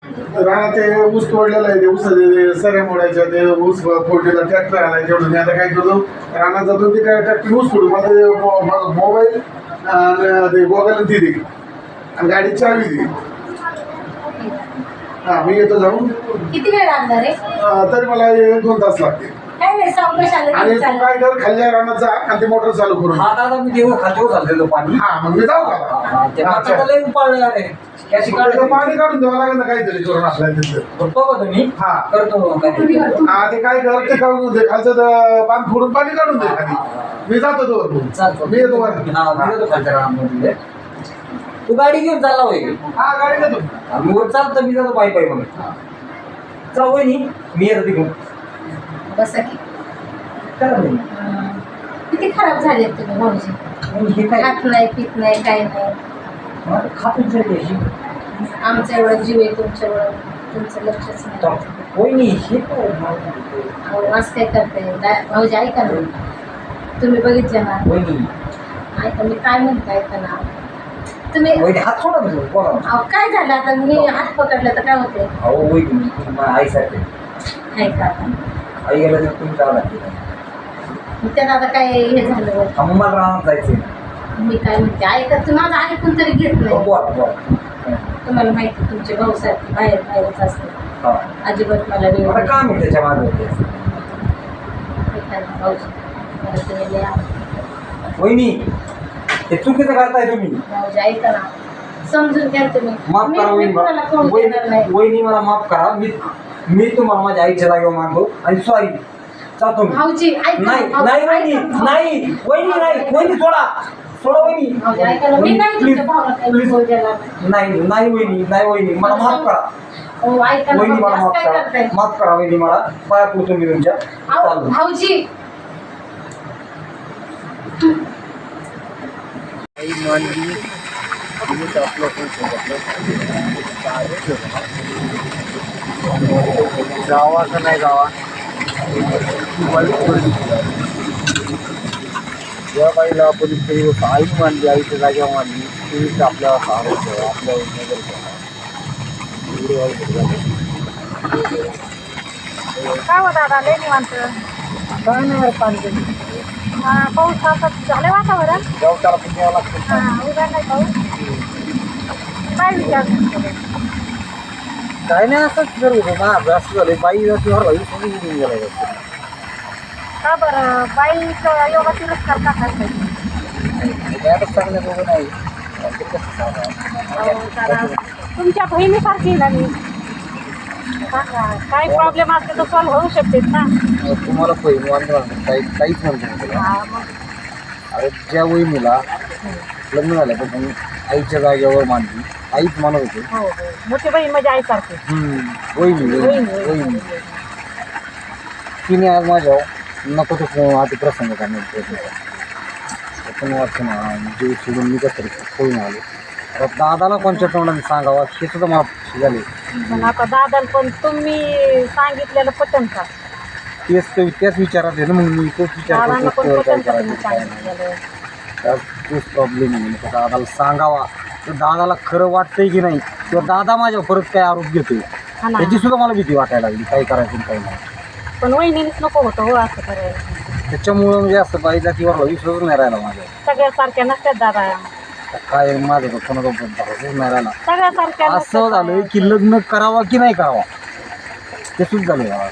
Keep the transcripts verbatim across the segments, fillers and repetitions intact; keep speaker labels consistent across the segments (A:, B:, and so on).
A: राणा ते ऊस तोडलेला आहे, ते ऊस सऱ्या मोडायच्या, ते ऊस फोडलेला ट्रॅक्टर आला तेवढं. मी आता काय करतो, रानात जातो ते काय ट्रॅक्टर ऊस फोडून मला मोबाईल आणि ते गोगल दिली आणि गाडी चावी दिली. हा मी येतो जाऊन.
B: किती वेळ लागणार आहे?
A: तरी मला एक दोन तास लागते.
B: काय नाही,
A: आणि तू काय कर, खाल्ल्या रानात जा आणि ते मोटर चालू करून.
C: हा दादा मी देऊ खातो चाललेलो पाणी.
A: हा मग मी जाऊ का? पाणी काढून द्यावं लागेल ना काहीतरी करून आपल्याला.
C: तुम्ही
A: हा
C: करतो
A: हा ते काय कर, ते काढून दे खालचं बांध फोडून पाणी काढून दे खाली. मी जातो तो, मी येतो वर.
C: तू गाडी घेऊन चालला होय?
A: हा गाडी घेतो
C: मी वर चालतो, मी जातो पायी पायी. मग चल वहिनी मी येतो तिकडून.
B: बसा की.
C: करा नाही.
B: किती खराब झाले तुम्ही भाऊजी.
C: हे काय
B: खात नाही, पित नाही, काय नाही.
C: खातून जायची
B: आमचा एवढा जीव आहे तुमच्यावर, तुमचं लक्षच नाही.
C: वहिनी हे काय
B: अहो, असं काय करताय भाऊजी? ऐका ना, तुम्ही बघितलं ना.
C: वहिनी
B: ऐका मी काय म्हणते, ऐका ना तुम्ही.
C: वहिनी हात सोडा ना तुम्ही, बोला.
B: अहो काय झालं आता, मी हात पकडला तर काय होते?
C: अहो वहिनी तुम्ही आईसाठी
B: काय का
C: आई गेलं तर तुम्ही जावं लागते.
B: त्यात आता काय हे झालं?
C: मला राहणार जायचं.
B: मी काय म्हणते, ऐका तुम्ही माझं ऐकून तरी घेत नाही.
C: बोला बोला.
B: तुम्हाला माहिती तुमचे भाऊ सारखे बाहेर बाहेरच असते.
C: हा
B: अजिबात मला वेळ
C: आता काम आहे त्याच्या मागे.
B: भाऊजी मला तुम्ही लय आवडतं.
C: वहिनी हे चुकीचं करताय तुम्ही.
B: भाऊजी ऐका ना, समजून घ्या तुम्ही.
C: माफ
B: मी
C: करा
B: मी कोणाला कोण देणार नाही.
C: वहिनी मला माफ करा. मी मी तुम्हाला माझ्या आईच्या जागेवर मानतो आणि सॉरी जातो मी.
B: भाऊजी ऐका ना,
C: नाही
B: भाऊजी,
C: नाही वहिनी
B: ऐका ना.
C: नाही वहिनी नाही वहिनी सोडा सोडा वहिनी.
B: भाऊजी ऐका ना, मी नाही तुमच्या भावाला काही
C: प्लीज
B: बोल देणार नाही.
C: नाही नाही वहिनी नाही वहिनी मला माफ करा.
B: हो ऐका ना,
C: वहिनी मला
B: भाऊजी,
C: माफ
B: असं काय
C: करा
B: करताय?
C: माफ करा वहिनी मला पाया पडतो मी तुमच्या.
B: अहो,
C: चालू
B: भाऊजी
D: आई मानली तुम्ही आपलं कोण जावा का नाही जावा या बाईला आपण आई मानली, आईच्या जाग्या मानली, तुम्हीच आपल्याला सहारा ठेवा, आपल्यावर नजर ठेवा.
E: काय हो दादा, लय निवांत.
D: काय नाही पाणी
E: हा, पाऊस आता झालं वातावरण.
D: गावताला पण यावं लागतं.
E: हा, उद्या नाही पाऊस. काय विचार
D: काय नाही असंच जर होतं ना, अभ्यास झाले बाई किंवा बाई सगळी उडून गेला.
E: का बरं बाईचं योगा तिरस्कार का करताय?
D: आता चांगल्या बघून नाही
E: अहो, जरा तुमच्या बहिणीसारखी ना मी. सांगा, काय प्रॉब्लेम असले तर सॉल्व्ह होऊ शकते ना.
D: तुम्हाला पहिली वाटलं काही काहीच म्हणतो तुला.
E: हा, मग
D: अरे ज्या वहिनीला लग्न झाल्यापासून आईच्या जागेवर मानली, आईच मानत होते.
E: हो हो, मोठी बहीण म्हणजे आईसारखी.
D: वहिनी
E: वहिनी,
D: वहिनी तिने आज माझ्या नको तो आधी प्रसंग करण्यात पण वाटतं ना, जीव सोडून मी कसं होईन आलो. आता दादाला कोणत्या तोंडाने सांगावं हे सुद्धा मला झाले.
E: पण आता दादा पण तुम्ही सांगितलेलं पटन का?
D: तेच ते त्याच विचारात आहे ना, मग मी तोच विचार
E: दादांना पण
D: करतो
E: पटन
D: काय
E: का तुम्ही
D: करायचं.
E: सांगितलेलं?
D: त्यात तोच प्रॉब्लेम आहे. म्हणजे दादाला सांगावा तर दादाला खरं वाटतंय की नाही, किंवा दादा माझ्यावर परत काय आरोप घेतोय
E: हा ना.
D: त्याची सुद्धा मला भीती वाटायला लागली, काय करायचं काय नाही.
E: पण वहिनीच नको होतं हो असं करायला.
D: त्याच्यामुळं म्हणजे असं बाईला किंवा विश्वास नाही राहिला माझ्या.
E: सगळ्यासारख्या नसतात दादा.
D: काय माझं कोणाचा भरोसाच नाही राहिला.
E: सगळ्यासारख्या
D: असं झालंय की लग्न करावा की नाही करावा ते सुद्धा झालंय मला.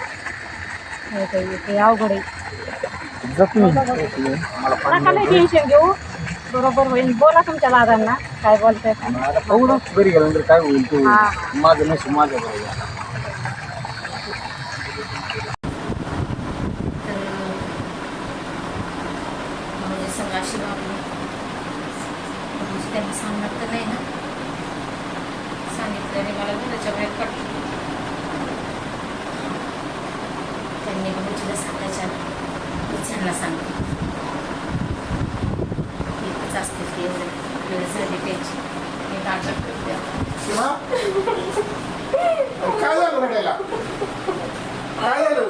E: ते अवघड आहे.
D: जखमी मला
E: नका नाही टेन्शन घेऊ, बरोबर होईल. बोला तुमच्या दादांना काय बोलताय.
D: बघू ना घरी गेल्यानंतर काय होईल ते होईल.
E: हा.
D: माझं नशीब माझ्या बरोबर.
B: अशी बाबू त्यांनी सांगणार तर नाही ना, सांगितल्याने मला घराच्या बाहेर पडलं. त्यांनी भाऊजीला सांगायच्या त्यांना सांगते एकच असते ते एवढे वेळ झाली त्याची. मी नाटक करते.
A: काय झालं रडायला? काय झालं?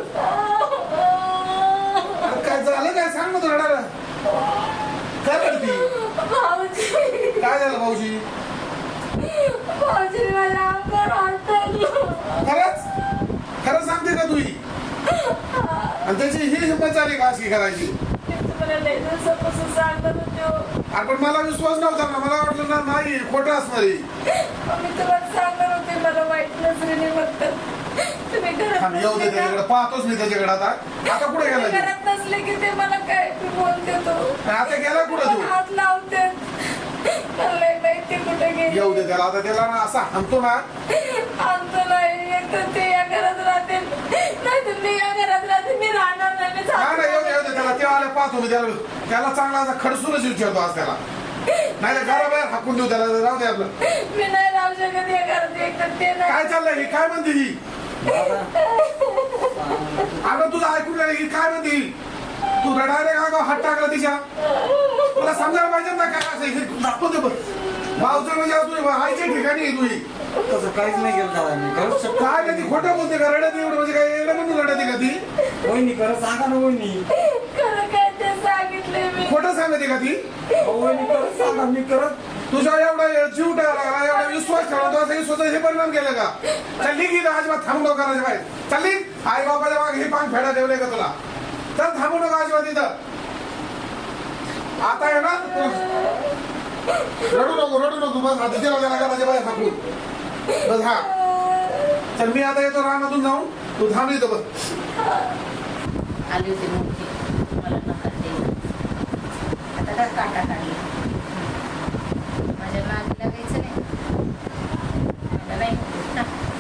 A: काय झालं काय सांग ना, तू रडायला काय रडती?
F: भाऊजी
A: काय झालं भाऊजी?
F: भाऊजी मला
A: खरंच खरं सांगते का तुही आणि त्याची ही हिंमत झाली का अशी करायची आपण मला विश्वास नव्हता ना मला वाटलं ना नाही खोटं असणार आहे. थांब, येऊ दे त्याच्याकडे पाहतोच मी त्याच्याकडे आता आता कुठे गेला तू?
F: घरात नसले की ते मला काय बोलते तो
A: आता गेला कुठे तू
F: हात लावते मला माहिती कुठे गेली
A: येऊ दे त्याला आता त्याला ना असा हाणतो ना
F: आमचं नाही एक तर ते या घरात राहते नाही तर मी या घरात राहते मी राहणार नाही मी
A: नाही नाही, येऊ दे येऊ दे त्याला तेव्हा आले पाहतो मी त्याला त्याला चांगला असा खडसूनच विचारतो आज त्याला नाही तर घराबाहेर हाकून देऊ त्याला राहू दे आपलं
F: मी नाही राहू शकत या घरात एक तर ते नाही
A: काय चाललंय ही काय म्हणते ही अगं तुझं ऐकून नाही ही काय म्हणते ही तू डायरेक्ट अगं हात टाकला तिच्या तुला समजायला पाहिजे ना काय असं हे दाखवून दे बरं भाऊचं म्हणजे तुझी आईच्या ठिकाणी आहे तुझी
C: तसं काहीच नाही केलं दादा मी खरंच शकतो
A: काय नाही ती खोटं बोलते का रडत एवढं म्हणजे काय एवढं म्हणून रडते का ती
C: वहिनी खरं सांगा ना वहिनी
F: खरं काय ते सांगितले मी
A: खोटं सांगते का ती
C: वहिनी खरंच सांगा मी करत
A: तुझा एवढा जीव टाळला एवढा विश्वास ठेवला असं स्वतः हे परिणाम केलं का चालली की अजिबात थांबू नका करायच्या बाहेर चालली आई बाबाच्या मागे हे पान फेडा ठेवले का तुला चल थांबू नका अजिबात इथं आता आहे ना रडू नको रडू नको बस आता तिला त्याला घराच्या बाहेर थांबून बस हा चल मी आता येतो रानातून जाऊन तू थांब येतो बस
B: आली होती मोठी मला नका द्यायला आता काय काटा काढला माझ्या नादी लागायचं नाही मला नाही ना.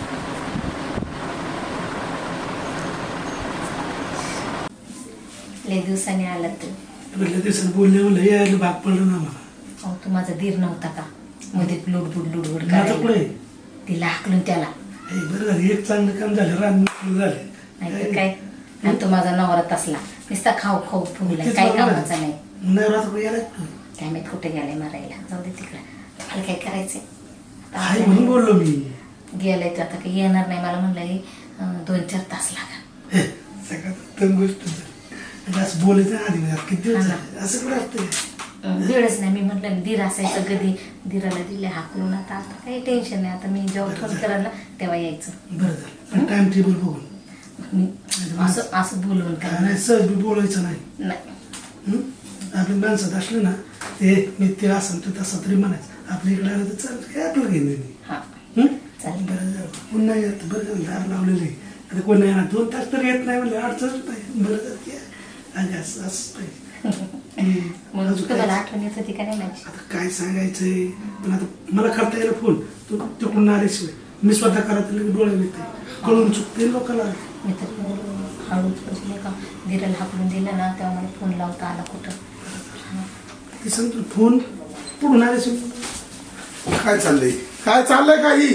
B: लय दिवसांनी आला तू
G: पहिल्या दिवसात बोलले लय यायला भाग पडलं ना मला
B: अहो तू माझा धीर नव्हता का मध्ये लुडबुड लुडबुड
G: आता
B: करायला
G: पुढे
B: तिला हाकलून त्याला
G: हे बरं झालं एक चांगलं काम झालं रान मोकळं झालं
B: नाही तर काय आणि तो माझा नवरात असला नुसता खाऊ खाऊ फुगलाय काही कामाचा नाही
G: नवरात्र यायला
B: काय माहित कुठे गेलाय मारायला जाऊ दे तिकडं मला काय करायचंय
G: हाय म्हणून बोललो मी
B: गेलाय तर आता काही येणार नाही मला म्हणलंय अं, दोन चार तास लागा
G: हे, सगळ्यात उत्तम गोष्ट म्हणजे असं बोलायचं आधी म्हणजे किती दिवस झाले असं कुठं असतं
B: वेळच नाही मी म्हटलं धीर असायचं कधी धीराला दिले हाकलून आता आता काही टेन्शन नाही आता मी जेव्हा फोन करायला तेव्हा यायचं
G: बरं झालं पण टाइम टेबल बघून
B: मी असं असं बोलवून काय
G: नाही सहज बी बोलायचं नाही
B: नाही
G: हं? आपल्या माणसात असलं ना ते मी ते असं तू तसं तरी म्हणायचं आपल्या इकडे आलं तर चालतं काय आपलं घेऊन नाही
B: हा
G: हं?
B: चालेल
G: बरं झालं पुन्हा येत बरं झालं दार लावलेलं आहे आता कोण नाही येणार दोन तास तर येत नाही म्हणजे अडचणच नाही बरं झालं की आणि असं असं पाहिजे हं.
B: मग
G: अजून
B: तुम्हाला
G: काय?
B: आठवण येत होती का नाही माझी
G: आता काय सांगायचंय पण आता मला करता येईल फोन तू तिकडून आल्याशिवाय मी स्वतः करत डोळे येते कळून चुकते लोकांना
B: मी तर हळूच म्हणजे का धीराला हाकलून दिलं ना तेव्हा मला फोन लावता आला कुठं
G: ते सांगतो फोन पुढून आल्याशिवाय
A: काय चाललंय काय चाललंय काही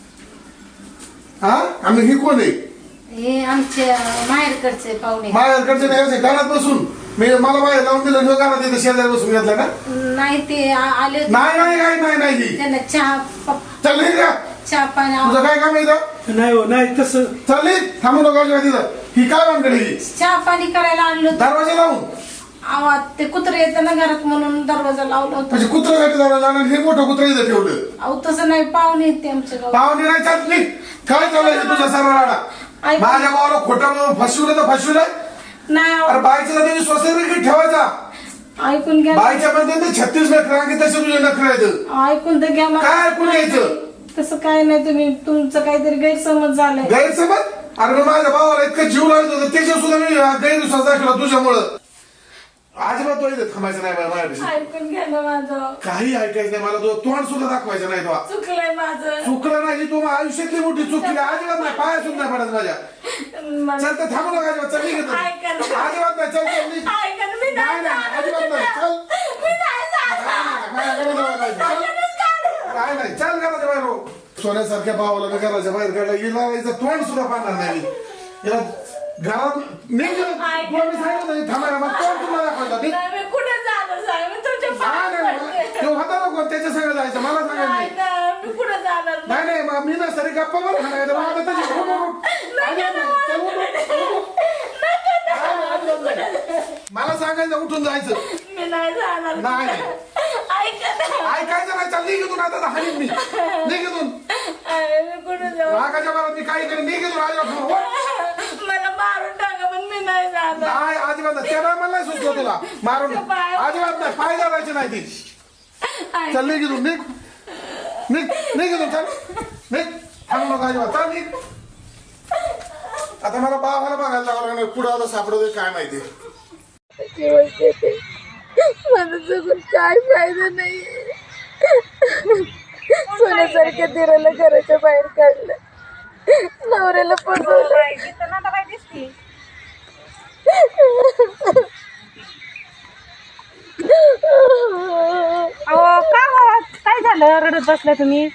A: हा आम्ही ही कोण आहे
B: हे आमच्या माहेरकडचे पाहुणे
A: माझ्याकडचे नाही असे घरात बसून मी मला बाहेर लावून दिलं ह्यो घरात येतं शेजारी बसून घेतला का
B: नाही ते आ- आले होते
A: नाही नाही काही नाही नाही ही.
B: त्यांना चहा प-
A: चालली का
B: चहा पाणी
A: तुझं काय काम आहे इथं
G: नाही हो नाही तसं
A: चालली थांबू नका अजिबात तिथं ही काय भानगड ही
B: चहा पाणी करायला आणलं होतं
A: दरवाजा लावून
B: आवाज ते कुत्रे येतं ना घरात म्हणून दरवाजा लावला होता
A: म्हणजे कुत्रं गाठी दरवाजा आणि हे मोठं कुत्रं इथं ठेवलं
B: अहो तसं नाही पाहुणे आहेत ते आमच्या गावात
A: पाहुणे नाही चालली काय चाललंय हे तुझा सर्व राडा
B: ऐक-
A: माझ्या भावाला खोटं फसवलं तर फसवलं
B: नाही
A: अरे
B: अहो,
A: बाईच्या तुम्ही स्वतः ठेवायचा
B: ऐकून घ्या
A: बाईच्या मध्ये ते छत्तीस नखरे आणखी तसे तुझे नखरे आहेत
B: ऐकून तर घ्या मला.
A: काय ऐकून घ्यायचं?
B: तसं काय नाही तुम्ही तुमचं काहीतरी गैरसमज झालाय
A: गैरसमज अरे मी माझ्या भावाला इतकं जीव लागत होतं त्याच्या सुद्धा मी गैरविश्वास दाखवला तुझ्यामुळं अजिबात तो इथे थांबायचं नाही बाई माझ्यापाशी
F: ऐकून घ्या ना माझं
A: काही ऐकायचं नाही मला तुझं तोंड सुद्धा दाखवायचं नाही तो
F: चुकलंय माझं
A: चुकलं नाही तू आयुष्यातली मोठी चूक केली अजिबात नाही पाया सुद्धा नाही पडत माझ्या
F: मला-
A: चल तर थांबू नका अजिबात चल निघ
F: ऐका ना.
A: अजिबात नाही चल चल निघ.
F: ऐका ना, मी
A: नाही
F: नाही
A: नाही
F: जाणार.
A: अजिबात नाही चल
F: मी नाही जाणार.
A: नाही, नाही, नाही, नाही, चल. काय नाही चल घराच्या बाहेर हो. सोन्यासारख्या भावाला मी घराच्या बाहेर काढला हिला याचं तोंड सुद्धा पाहणार नाही मी. हिला घरात निघ तुला मी सांगितलं नाही थांबायला मग तोंड तुम्हाला दाखवायचं ठीक?
F: नाही, मी कुठे जाणार साहेब मी तुमच्या
A: नाही,
F: पायात
A: नाही,
F: पडते.
A: तो होता नको त्याच्या सगळं जायचं मला सांगायचं
F: नाही
A: नाही.
F: ना, मी कुठे जाणार
A: नाही नाही मग मी ना सरी गप्पा बरं खाणार मग आता त्याची उठ, उठ, उठ. अजिबात नाही. चल, उठ, उठ, उठ, उठ. नाही, नाही, अजिबात नाही. मला सांगायचं उठून जायचं
F: मी नाही जाणार
A: नाही, नाही.
F: ऐका ना
A: ऐकायचं नाही चाल निघ इथून आता हानीन मी निघ इथून
F: मी कुठं जाऊ
A: रागाच्या मला मी काही करेन मी घेतो राजा
F: मला मारून टाका पण मी नाही जाणार
A: नाही अजिबात नाही. त्या टायमाला नाही सुचलं तुला मारून अजिबात नाही पाय धरायचे नाही ती चल निघ इथून निघ निघ निघ इथून चल निघ थांबू नका अजिबात चल निघ आता मला बाबाला बघायला जावं लागणार पुढं आता सापडतोय काय माहिती
F: दिवस येते मला जगून काय फायदा नाही सोन्यासारख्या दिराला घराच्या बाहेर काढलं नवऱ्याला फसवलं
E: दिसती अहो का बाबा काय झालं रडत बसल्या तुम्ही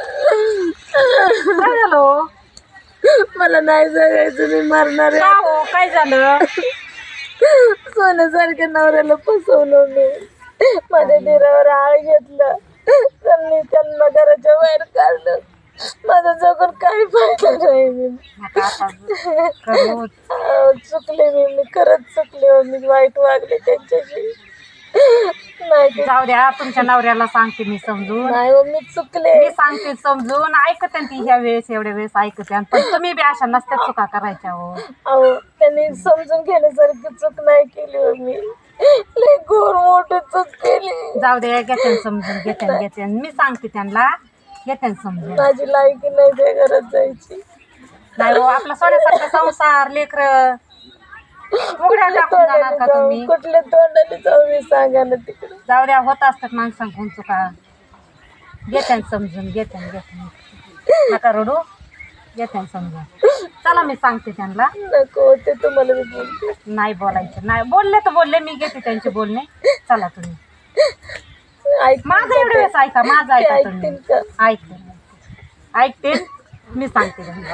E: काय झालं हो?
F: मला नाही जगायचं मी मरणार
E: का
F: आहे
E: हो काय झालं
F: सोन्यासारख्या नवऱ्याला फसवलं मी माझ्या दिरावर आळ घेतलं त्यांनी त्यांना घराच्या बाहेर काढलं माझा जगून काही फायदा नाही मी अहो, चुकले मी मी खरंच चुकले हो मी वाईट वागले त्यांच्याशी नाही ते-
E: जाऊ द्या तुमच्या नवऱ्याला सांगते मी समजून
F: नाही हो, मी चुकले
E: मी सांगते समजून ऐकते ती ह्या वेळेस एवढ्या वेळेस ऐकते पण तुम्ही बी अशा नसत्या चुका करायच्या हो
F: अहो त्यांनी समजून घेण्यासारखी चूक नाही केली हो मी लय घोर मोठी चूक केली
E: जाऊ द्या घेते समजून घेते घेते मी सांगते त्यांना घेते समजून
F: माझी लायकी नाही त्या घरात जायची
E: नाही हो आपला सोन्यासारखा संसार लेकर उघड्या टाकून जाणार का तुम्ही
F: कुठल्या तोंडाने जाऊ मी सांगा ना तिकडे
E: जाऊ द्या होत असतात माणसांकडून चुका घेते समजून घेते घेते नका रडू घेते समजून चला मी सांगते त्यांना
F: नको ते तुम्हाला मी बोलते
E: नाही बोलायचं नाही बोलले तर बोलले मी घेते त्यांचे बोलणे चला तुम्ही
F: ऐक
E: माझं एवढं वेळेस ऐका माझं
F: ते
E: ऐका तुम्ही
F: ऐकतील का
E: ऐकते ऐकते मी सांगते त्यांना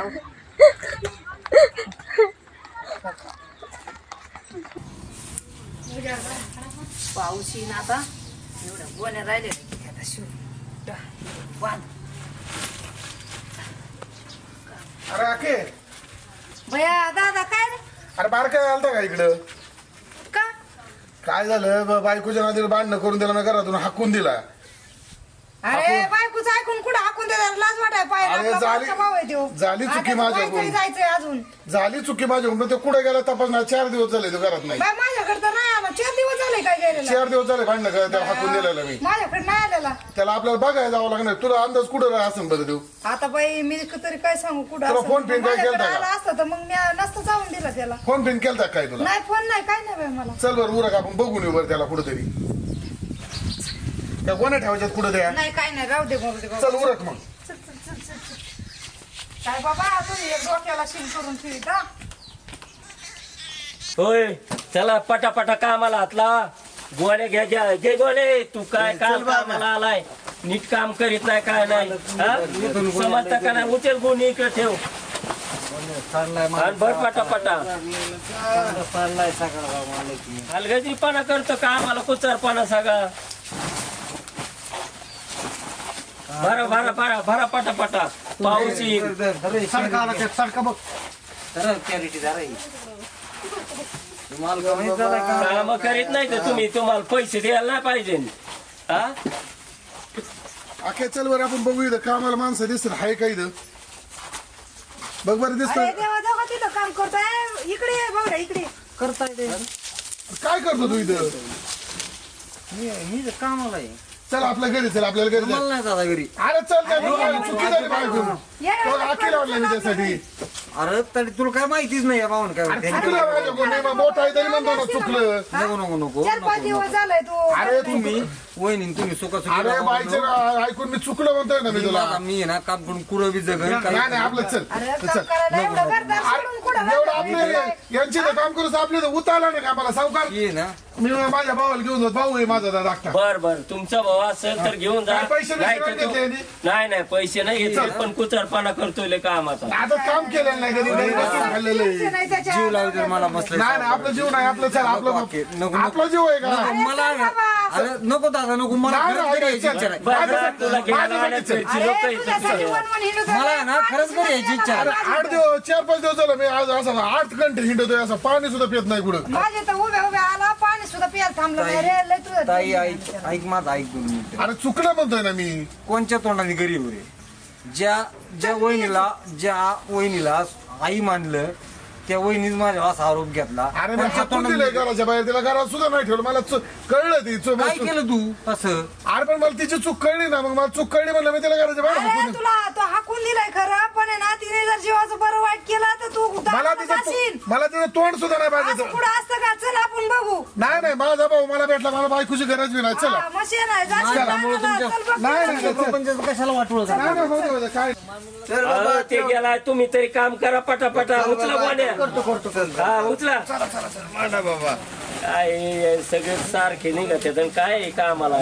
B: पाऊस येईन आता एवढं गोण्या राहिले आता शिव बांध
A: अरे आके
B: भया दादा काय रे
A: अरे बार काय आलता का इकडं
B: का
A: काय झालं ब- बायकोच्या नादीला भांडणं करून दिला ना घरातून हाकून दिला
H: अरे बायकोच ऐकून कुठं हाकून देणार लाज वाटाय
A: अरे
H: पाहिजे
A: झाली झाली चुकी माझ्याकडून
H: जायचंय अजून
A: झाली चुकी माझ्याकडून ते कुठे गेला तपासणार चार दिवस झाले तो घरात नाही
H: बाय माझ्याकडे तर नाही आला चार दिवस झाले काय गेलेला
A: चार दिवस झाले भांडणं करायला त्याला हाकून दिलेला मी
H: माझ्याकडे नाही आलेला
A: त्याला आपल्याला बघायला जावं लागणार तुला अंदाज कुठं राहा असं बरं देऊ
H: आता बाई मी तरी काय सांगू कुठं
A: तुला
H: असं.
A: फोन पिन काय
H: माझ्याकडे
A: केलता का?
H: आला असतं तर मग मी नसतं जाऊन दिला त्याला
A: फोन पिन केलता काय तुला
H: नाही फोन नाही काय नाही बाई मला
A: चल बरं उरक आपण बघून येऊ बरं त्याला कुठंतरी त्या कोणा ठेवायच्यात कुठं द्या
H: नाही काय नाही राहू दे मरू दे बाबा.
A: चल उरक मग
H: काय बाबा तुम्ही एक डोक्याला शिन करून ठेवीत हा?
I: होय चला पटापटा कामाला हातला गोणे घ्या घ्या घे गोणे तू काय काल कामाला आलाय नीट काम करीत नाही काय नाही हा? समजता का नाही उचल गुण इकडे ठेव आणि भर पटापटा हलगजीपणा करतो का आम्हाला कुचारपणा सगळा भरा भरा भरा भरा पटापटा पाऊस येईल काम करीत नाही तर तुम्ही तुम्हाला पैसे द्यायला नाही पाहिजे हा
A: अखे चल बरं आपण बघू इथं कामाला माणसं दिसत हाय का इथं बघ बरं
H: अरे
A: दिसत
H: देवा देवा तिथं काम करतोय इकडे ये बघा इकडे
A: काय करतो तू इथं
D: मी कामाला आहे
A: चल आपल्या घरी चल आपल्याला घरी
D: मला
A: चल.
D: नाही दादा घरी
A: अरे चल त्या लोकांना चुकी झाली बायकून तो अखेर वाटला मी त्यासाठी
D: अरे तरी तुला काय माहितीच नाही या भाऊन काय
A: अरे चुकलं माझ्याकडून नाही, मग मोठा आहे तरी म्हणतो ना चुकलं
D: नको नको नको
H: चार पाच दिवस झालाय तू
A: अरे
D: तुम्ही वहिनी तुम्ही सुका
A: अरे बाईचं ऐकून मी चुकलं म्हणतोय ना मी तुला
D: मी आहे ना काम करून कुठं बी जगन
A: नाही नाही आपलं चल
H: अरे
A: चल
H: काम करायला एवढं करतात सोडून कुठं
A: एवढं आपले यांची तर काम करूच आपले तर उतारला नाही का मला सावकार
D: ये ना
A: मी माझ्या भावाला घेऊन जातो भाऊ आहे माझा दादा धाकटा.
I: बर बर तुमचा भाऊ असेल तर घेऊन जा
A: काय पैसे बिसे
I: नाही तर
A: नाही
I: तो-
A: घेतले यांनी?
I: नाही नाही पैसे नाही घेतले पण कुचारपणा करतोय कामाचा
A: आता काम केलेलं नाही कधी घरी बसून खाल्लेलं आहे.
H: नाही त्याच्या
D: जीव लावली तर मला मस्त
A: नाही नाही आपलं जीव नाही आपलं चल आपलं
D: नको, नको.
A: आपला जीव आहे का
D: मला अरे नको दादा नको मला
A: नाही,
D: खरंच
A: नाही,
D: घरी यायची
A: चल.
D: इच्छा नाही
I: बरं, बरं, तुला घ्यायला
A: माझ्यासाठी
I: आणायचं
A: चल.
I: घरची लोकं
H: अरे
I: इथं
H: तुझ्यासाठी
I: तुझ्या.
H: वन वन हिंडत
D: मला आहे ना खरंच घरी यायची इच्छा
A: अरे
D: नाही
A: आठ दिवस चार पाच दिवस झालं मी आज असं आठ घंटे हिंडतोय असं पाणी सुद्धा पित नाही कुठं
H: माझे तर उभ्या उभ्या आला पाणी सुद्धा प्यायला थांबलं नाही रे लय तुझं
D: ताई ऐक ऐक माझं ऐक दोन मिनिटं
A: अरे चुकलं म्हणतोय ना मी
D: कोणच्या तोंडाने घरी येऊ रे ज्या ज्या वहिनीला ज्या वहिनीला आई मानलं त्या वहिनीच माझ्या असा आरोप घेतला.
A: अरे मी
D: पण
A: हाकून
D: तोंडाने-
A: दिलंय घराच्या बाहेर, तिला घरात सुद्धा नाही ठेवलं. मला चु- कळलं ती चुक.
D: काय केलं तू असं?
A: अरे पण मला तिची चूक कळली ना, मग मला चूक कळली म्हणलं मी तिला घराच्या बाहेर हाकून
H: अरे
A: दिलं.
H: तुला तो हाकून दिलाय खरं, पण आहे ना तिने जर जीवाचं बरं वाईट केलं तर तू
A: मला
H: दारात
A: तिचं
H: जाशील.
A: मला तिचं तोंड सुद्धा नाही पाहिजे.
H: असं पुढं असतं का? चल आपण बघू.
A: नाही नाही माझा भाऊ मला भेटला, मला बायकोची गरज बी नाही. चला
H: हा, मशीन आहे, जाशील
D: माझ्यामुळे
H: दाराला,
D: तुमच्या-
H: चल बघू.
A: नाही नाही चल.
D: प्रपंचाचं कशाला वाटवलं
A: नाही, नाही, होऊ दे, होऊ दे, काय
I: अहो, ते गेलाय तुम्ही तरी काम करा पटापटा. उचला गोण्या. हा उचला. काय हे सगळे सारखे निघत आहेत आणि काय आहे कामाला.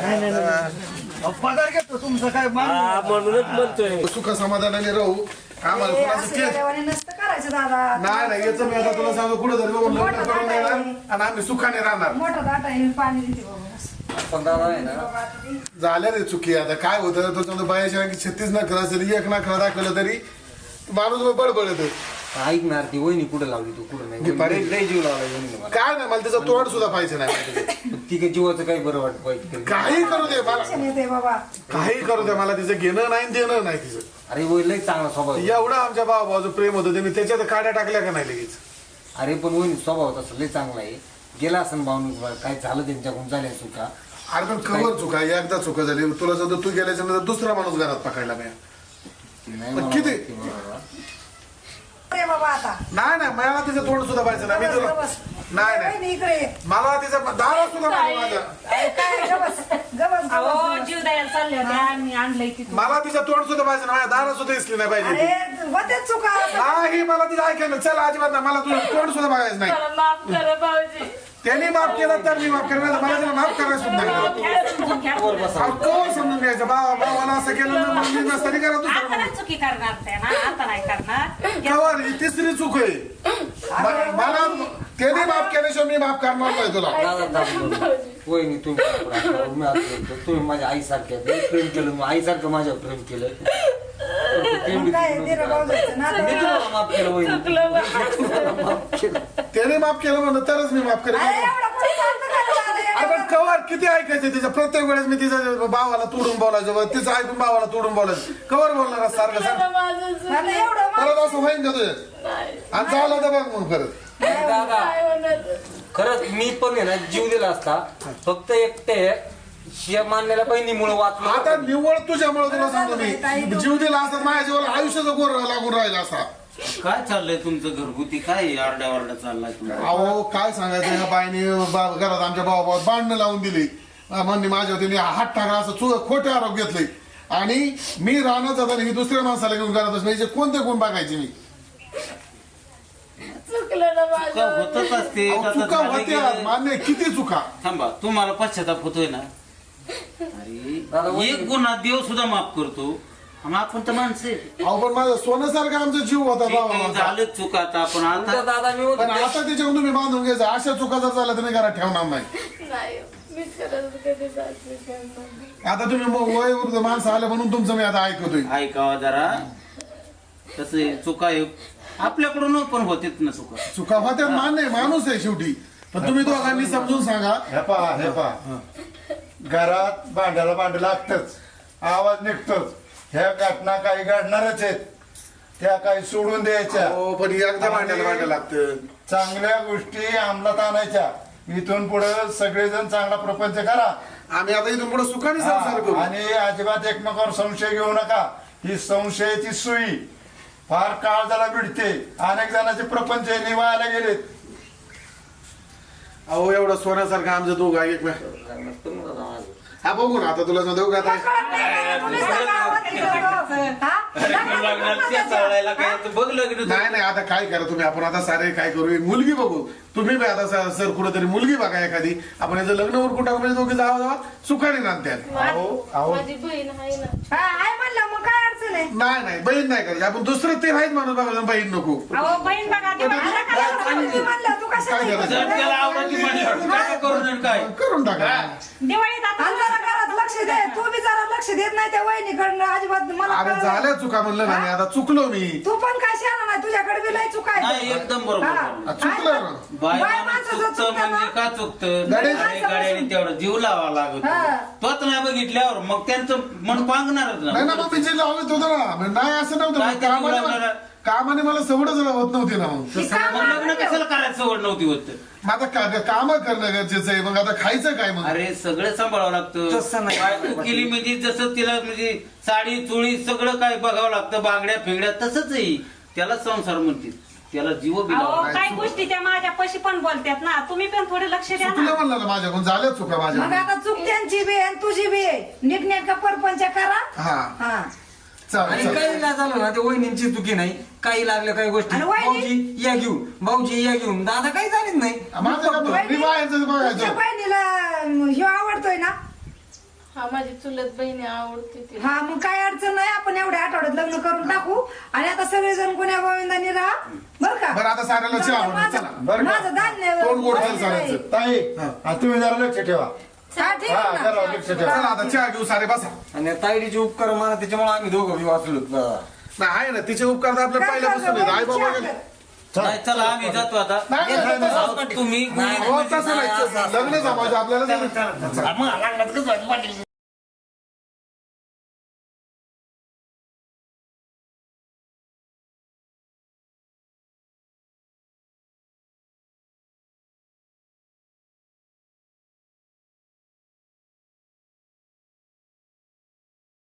C: पगार घेतो तुमचं काय
I: हा म्हणूनच म्हणतोय.
A: सुख समाधानाने राहू. आम्हाला
H: हे
A: कोणाचं
H: असं
A: केस
H: येड्यावानी नसतं करायचं दादा.
A: नाही नाही याचं मी आता तुला सांगतो कुठं तरी बघून लग्न
H: मोठं
A: करून
H: दाट आहे.
A: देणार आणि आम्ही सुखाने राहणार.
H: मोठा दाटा आहे, पाणी देते बघू.
D: पण दादा आहे ना,
A: झाल्या रे चुकी. आता काय होतं तो बायाच्या आणखी छत्तीस नखरा असेल, एक नखरा दाखवलं तरी माणूस बडबडत.
D: ऐकणार ती वहिनी कुठे लावली तू कुठं नाही.
A: पारे.
D: लय- लय जीव लावला वहिनीने मला.
A: काय नाही मला तिचं तोंड सुद्धा पाहिजे नाही.
D: ती काय जीवाचं काही बरं वाटत पाहिजे.
A: काही करू दे मला,
H: टेन्शन येते बाबा.
A: काही करू दे मला तिचं घेणं नाही देणं नाही तिचं.
D: अरे वय लय चांगला स्वभाव आहे.
A: एवढं आमच्या भावाचं प्रेम होतं त्यांनी त्याच्यात काड्या टाकल्या का नाही लगेच.
D: अरे पण वहिनी स्वभाव तसं लय चांगला आहे. गेला असं भावनिक काय झालं त्यांच्याकडून झाल्या चुका.
A: अरे पण कवर चुका एकदा चुका झाली तुला जर तू गेल्याच्या नंतर दुसरा माणूस घरात पकडला नाही.
D: नाही
A: पण
D: मला
A: किती?
D: माहिती बाबा.
H: अरे बाबा आता
A: नाही नाही मला तिचं तोंड सुद्धा पाहिजे नाही. मी तुला
H: गबस.
A: नाही
H: वहिनी
A: नाही
H: इकडे.
A: मला तिचं दारा सुद्धा पाहिजे माझा.
H: अरे काय गबस गबस
E: अहो
H: गबस.
E: जीव द्यायला चालले होते आम्ही आणलंय तिथून.
A: मला तिचं तोंड सुद्धा पाहिजे नाही. माझ्या दारा सुद्धा दिसली नाही पाहिजे.
H: अरे होतेच चुका.
A: नाही मला तिचं ऐकायला चल अजिबात नाही. मला तुझं तोंड सुद्धा बघायचं नाही.
E: मला माफ करा भाऊजी.
A: त्यांनी माफ केलं तर मी माफ करणार. मला तिला माफ करायला सुद्धा नाही.
E: घ्या समजून घ्या.
A: अहो, कवर समजून घ्यायचं भावा भावाला असं केलं ना मग मी नसताना करा दुसरं
E: आता
A: म्हणून.
E: नाही चुकी करणार ते ना, आता नाही करणार.
A: कवर ही तिसरी चूक आहे. म- मला त्यांनी माफ केल्याशिवाय मी माफ करणार नाही तुला.
D: दादा दादा वहिनी तुम्ही पुढं आता मी आता बोलतो. तुम्ही माझ्या आईसारख्या लय प्रेम केलं. मग आईसारखं माझ्यावर प्रेम केलं. पण ते प्रेम बी
H: काय
D: तिकडून
H: दिलं
D: करा.
H: भाऊजाचं नातं.
D: मी तुम्हाला माफ केलं वहिनी. मी तुम्हाला माफ केलं.
A: त्याने माफ केलं म्हणून तरच मी माफ करेन.
H: अरे एवढं कोणी सांगतं का तुला? अरे
A: अरे पण कवर किती ऐकायचं तिचं. प्रत्येक वेळेस मी तिच्या भावाला तोडून बोलायचं व तिचं ऐकून भावाला तोडून बोलायचं. कवर बोलणार असं सारखं सांग.
H: आता एवढं मा-
A: परत असं होईन का तुझं आणि चाललं तर बघ मग परत.
D: दादा खरंच मी पण आहे ना जीव दिला असता. फक्त एकटे शिया मानलेल्या बहिणीमुळे वाचलो.
A: आता निव्वळ तुझ्यामुळे तुला सांगतो मी जीव दिला असता माझ्या जीवाला आयुष्याचा गोर लागून राहिला असा.
J: काय चाललंय तुमचं घरगुती? काय आरडा वारडा चाललाय तुम्हाला?
A: अहो काय सांगायचं ह्या बाईने बा- घरात आमच्या भावा भावात भांडणं लावून दिली. म्हणणे माझ्या तिने हात टाकला असं चु खोटे आरोप घेतले. आणि मी राहणार जाताना ही दुसऱ्या माणसाला घेऊन घरात बसले. हिचे कोणते गुण बघायचे मी.
F: चुकलं ना
J: चुका
F: माझं.
J: होतच असते.
A: अहो,
J: आता
A: चुका
J: झालं
A: होत्या
J: गेलं.
A: मान्य किती चुका.
J: थांबा, तुम्हाला पश्चाताप होतोय ना?
D: दादा,
J: अरे एक गुन्हा देव सुद्धा माफ करतो आणि आपण तर माणसं आहे.
A: अहो पण माझा सोन्यासारखा आमचा जीव होता
J: ठीक आहे,
A: बाबा.
J: झालं चुका आता आपण
D: तुमच्या
J: आता
D: दादा मी
A: पण
D: होतो.
A: आता त्याच्याकडून तुम्ही बांधून घ्यायचं. अशा चुका जर झाल्या तर मी घरात ठेवणार नाही.
F: नाही मी खरंच कधी सासरी करणार नाही.
A: आता तुम्ही मग वय वृद्ध माणसं आले म्हणून तुमचं मी आता ऐकतोय.
J: ऐकावा जरा. तसं आहे, चुका आहे आपल्याकडून पण होतेच ना चुका.
A: चुका होत्या मान्य आहे, माणूस आहे शेवटी. पण तुम्ही दोघांनी समजून सांगा.
K: हे पहा हे पहा घरात भांड्याला भांड लागतच, आवाज निघतोच. ह्या घटना काही घडणारच आहेत, त्या काही सोडून द्यायच्या.
A: हो पण एकदा भांडायला भांडायला लागतं.
K: चांगल्या गोष्टी अंमलात आणायच्या. इथून पुढे सगळेजण चांगला प्रपंच करा.
A: आम्ही आता इथून पुढे सुखाने संसार करू.
K: हा, आणि अजिबात एकमेकावर संशय घेऊ नका. ही संशयाची सुई फार काळ झाला भिडते. अनेक जणांचे प्रपंच हे निवायला गेलेत.
A: अहो एवढं सोन्यासारखं आमचं दोघं आहे एक हा बघू ना आता तुला सांगतो का आता
H: कळत नाही का? तुम्ही सांगा आवाज येतो. हा?
J: लग्नाला त्या चालायला काय तर बघ लग्न
A: नाही नाही आता काय करा तुम्ही. आपण आता सारे काय करू एक मुलगी बघू. तुम्ही बी आता सर सर कुठेतरी मुलगी बघा एखादी. आपण याचं लग्न वर कुठं म्हणजे दोघे जावा जावा सुखाने नांदत्यात.
K: अहो अहो
F: माझी बहीण आहे ना.
H: हा, आहे म्हणलं मग काय अडचण आहे?
A: नाही नाही बहीण नाही करायची. आपण दुसरं ते राहीच माणूस बघा बहीण नको.
E: अहो बहीण बघा ती बघा.
H: आता काय एवढं तुम्ही म्हणलं, तू कशाला
A: काय करायचं?
J: जर त्याला आवडती म्हणल्यावर काय करून आणि काय
A: करून टाका.
E: दिवाळीत आता
H: आणि जरा घरात लक्ष दे. तू बी जरा लक्ष देत नाही. नाही त्या वहिनीकडनं अजिबात मला
A: अरे
H: कळलं.
A: झाल्या चुका म्हणलं ना मी आता चुकलो मी
H: तू पण काय शाना नाही तुझ्याकडे बी लय चुका आहेत.
J: नाही एकदम बरोबर
H: हा.
J: बरोबर.
A: चुकलं ना.
J: बाय
H: बाय
J: माणूस
H: माणसाचं
J: चुकतं
H: चुकतं
J: म्हणजे
H: ना.
J: का चुकतं
A: गाडी-
J: अरे गाड्याने तेवढा जीव लावा लागत
H: हा.
J: तोच नाही बघितल्यावर मग त्यांचं मन पांगणारच
A: नाही ना मग मी जे लावत होतो ना म्हणजे नाही असं नव्हतं
J: काय
A: मग
J: ते
A: कामाने
J: लावणार?
A: मला- कामाने मला सवडच होत नव्हती ना मग
H: ती कामं
J: मग लग्न
H: आवडते.
J: कशाला करायचं सवड नव्हती होत
A: मग आता का काम करणं गरजेचं आहे मग आता खायचं काय मग
J: अरे सगळं सांभाळावं लागतं
C: तसं नाही.
J: बायको केली म्हणजे जसं तिला म्हणजे साडी चुळी सगळं काय बघावं लागतं बांगड्या फिंगड्या तसंच आहे त्याला संसार म्हणतील त्याला जीव बी
E: अहो
J: लावावा
E: काही गोष्टी त्या माझ्या पशी पण बोलतात ना तुम्ही पण थोडे लक्ष द्या
A: चुकलं
E: ना
A: म्हणलं ना माझ्याकडून झाल्या चुका माझ्या
H: मग आता चूक त्यांची बी आणि तुझी बी आहे. नीटनेटका परपंच करा
A: हा
H: हा
A: चालेल
C: आणि
A: चालेल.
C: काही नाही झालं ना ते वहिनींची चुकी नाही काही लागल्या काही गोष्टी
H: आणि वहिनी?
C: भाऊजी या घेऊन भाऊजी या घेऊन दादा काही झालीच नाही
A: माझं का बरं? मी बाहेरचं
H: तुमच्या
A: बघायचं
H: बहिणीला ह्यो आवडतोय ना
F: हा माझी चुलत बहिणी आवडते ती
H: हा मग काय अडचण नाही आपण एवढ्या आठवड्यात लग्न करून टाकू आणि आता सगळेजण कोण्या गोविंदाने राहा बर का
A: बरं आता साऱ्याला चहा बनव,
H: माझं-
A: चला.
K: बरं का?
H: माझं धान्य
A: तोंड गोड
H: बसलेलं
A: झालं
H: आहे.
A: साऱ्याचं.
K: ताई हा, तुम्ही जरा लक्ष ठेवा
H: हा, ठीक
K: हा
H: आहे ना.
K: जरा लक्ष ठेवा
A: चला आता चहा घेऊ सारे बसा
C: आणि ताईडीचे उपकार मला त्याच्यामुळे आम्ही दोघं बी वाचलो
A: नाही आहे ना तिचे उपकार तर आपल्या
H: काय
A: पहिल्यापासून
H: करणार?
A: आहेत. आई बाबा
H: चहा
A: गेले.
H: कर.
J: नाही चला आम्ही जातो आता
A: नाही, नाही, नाही,
J: अहो, तुम्ही
A: हो, तसं नाही. लग्न जमायचं आपल्याला
I: मग लागणार कसं वाटलं पाटील